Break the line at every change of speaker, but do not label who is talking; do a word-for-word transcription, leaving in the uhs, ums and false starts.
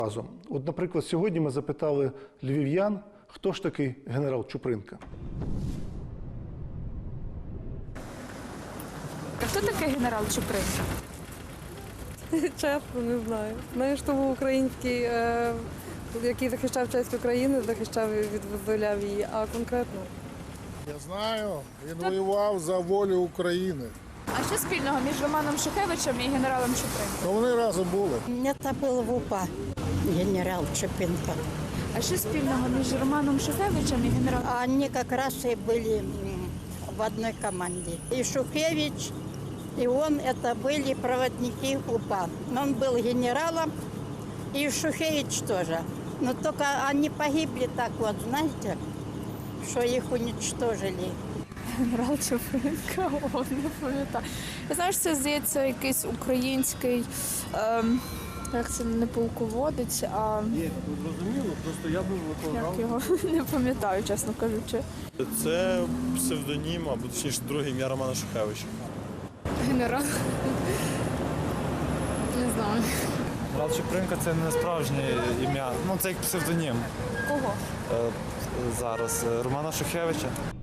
разом. От, наприклад, сьогодні ми запитали львів'ян, хто ж такий генерал Чупринка.
А хто такий генерал Чупринка?
Чесно, не знаю. Знаю, що був український, е, який захищав честь України, захищав і відвозволяв її, а конкретно.
Я знаю, він воював за волю України.
А що спільного між Романом Шухевичем і генералом Чупринкою?
Ну, вони разом були.
Это был в УПА генерал Чупинка.
А що спільного між Романом Шухевичем і генералом?
Они как раз и были м, в одной команде. И Шухевич, и он, это были проводники УПА. Он был генералом, и Шухевич тоже. Но только они погибли так вот, знаете, что их уничтожили.
Генерал Чупринка, о, не пам'ятаю. Я знаю, що це, здається, якийсь український, ем, як це, не полководець, а
Ні, зрозуміло, просто я був
як його, не пам'ятаю, чесно кажучи.
Це псевдонім, або точніше друге ім'я Романа Шухевича.
Генерал? Не знаю.
Генерал Чупринка – це не справжнє ім'я, ну це як псевдонім.
Кого?
Е, зараз е, Романа Шухевича.